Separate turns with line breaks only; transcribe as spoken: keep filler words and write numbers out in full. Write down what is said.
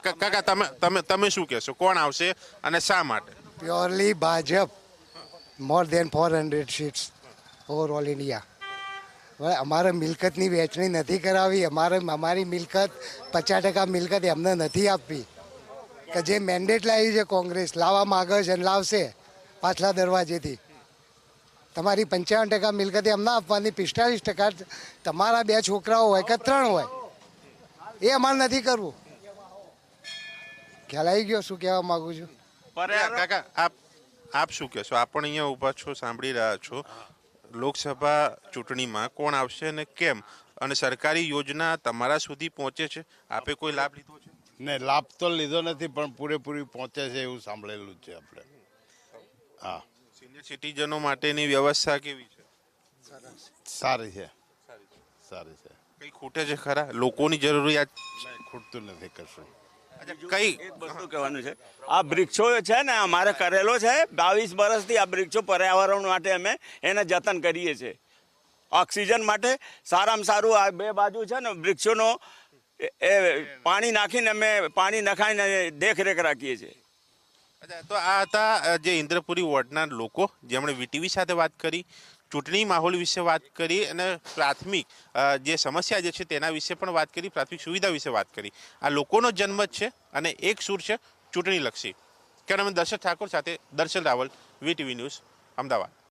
કાકા તમે તમે તમે શું કહેશો, કોણ આવશે અને શા માટે?
Purely Bhajap, more than four hundred seats over all India. હવે અમારે મિલકતની વહેંચણી નથી કરાવી. અમારે અમારી મિલકત પચાસ ટકા મિલકત એમને નથી આપવી. કે જે મેન્ડેટ લાવી છે કોંગ્રેસ, લાવવા માગે છે અને લાવશે પાછલા દરવાજેથી. તમારી પંચાવન ટકા મિલકત એમને આપવાની, પિસ્તાલીસ ટકા તમારા બે છોકરાઓ હોય કે ત્રણ હોય એ અમારે નથી કરવું. ખ્યાલ આવી ગયો શું કહેવા માગું છું?
કાકા આપ આપ શું કહેશો? આપ પણ અહીંયા ઊભા છો, સાંભળી રહ્યા છો. લોકસભા ચૂંટણીમાં કોણ આવશે અને કેમ, અને સરકારી યોજના તમારા સુધી પહોંચે છે? આપે કોઈ લાભ લીધો છે?
ને લાભ તો લીધો નથી, પણ પૂરેપૂરી પહોંચે છે એવું સાંભળેલું છે આપણે. હા,
સિનિયર સિટીઝનો માટેની વ્યવસ્થા કેવી છે?
સારી છે, સારી છે.
કઈ ખૂટે છે ખરા? લોકોની જરૂરિયાત
ખૂટતું નથી કશું.
કઈ
એક વસ્તુ કહેવાનું છે, આ વૃક્ષો છે ને અમારે કરેલો છે બાવીસ વર્ષથી. આ વૃક્ષો પર્યાવરણ માટે અમે એને જતન કરીએ છીએ. ઓક્સિજન માટે સારામાં સારું આ બે બાજુ છે ને વૃક્ષોનો એ પાણી નાખીને અમે પાણી નખાઈને દેખરેખ રાખીએ છીએ.
અચ્છા, તો આ હતા જે ઇન્દ્રપુરી વોર્ડના લોકો, જેમણે વીટીવી સાથે વાત કરી, ચૂંટણી માહોલ વિશે વાત કરી અને પ્રાથમિક જે સમસ્યા જે છે તેના વિશે પણ વાત કરી, પ્રાથમિક સુવિધા વિશે વાત કરી. આ લોકોનો જન્મત છે અને એક સૂર છે ચૂંટણીલક્ષી. કેમેરામેન દર્શક ઠાકોર સાથે દર્શન રાવલ, વીટીવી ન્યૂઝ, અમદાવાદ.